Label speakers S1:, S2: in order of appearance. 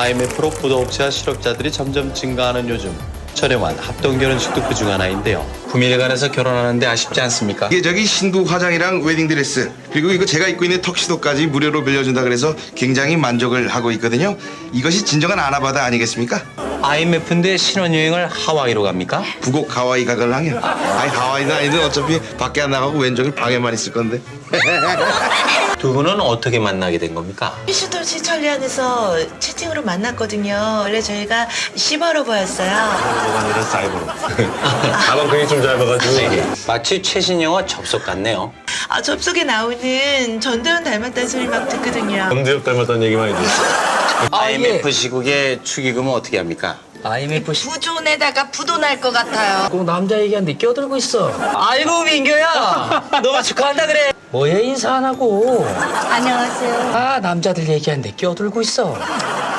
S1: IMF로 부도업체와 실업자들이 점점 증가하는 요즘 저렴한 합동결혼식도 그중 하나인데요. 구밀관에서 결혼하는데 아쉽지 않습니까?
S2: 이게 저기 신부 화장이랑 웨딩드레스 그리고 이거 제가 입고 있는 턱시도까지 무료로 빌려준다 그래서 굉장히 만족을 하고 있거든요. 이것이 진정한 아나바다 아니겠습니까?
S1: IMF인데 신혼여행을 하와이로 갑니까?
S2: 부곡 하와이 가글랑이요. 아니 하와이는 아니든 어차피 밖에 안 나가고 왼쪽에 방에만 있을 건데.
S1: 두 분은 어떻게 만나게 된 겁니까?
S3: 피슈도시 천리안에서 채팅으로 만났거든요. 원래 저희가 시바로 보였어요.
S4: 아니라 사이버로. 가방끈이 좀 짧아가지고.
S1: 마치 최신 영화 접속 같네요.
S3: 아, 접속에 나오는 전도연 닮았다는 소리 막 듣거든요.
S4: 엄지혁 닮았다는 얘기 많이 들었어.
S1: IMF 시국에 축의금은 어떻게 합니까?
S5: IMF
S3: 부존에다가 부도 날 것 같아요.
S5: 꼭 남자 얘기하는데 끼어들고 있어. 아이고 민규야, 너무 축하한다 그래. 뭐해 인사 안 하고?
S3: 안녕하세요.
S5: 아 남자들 얘기하는데 끼어들고 있어.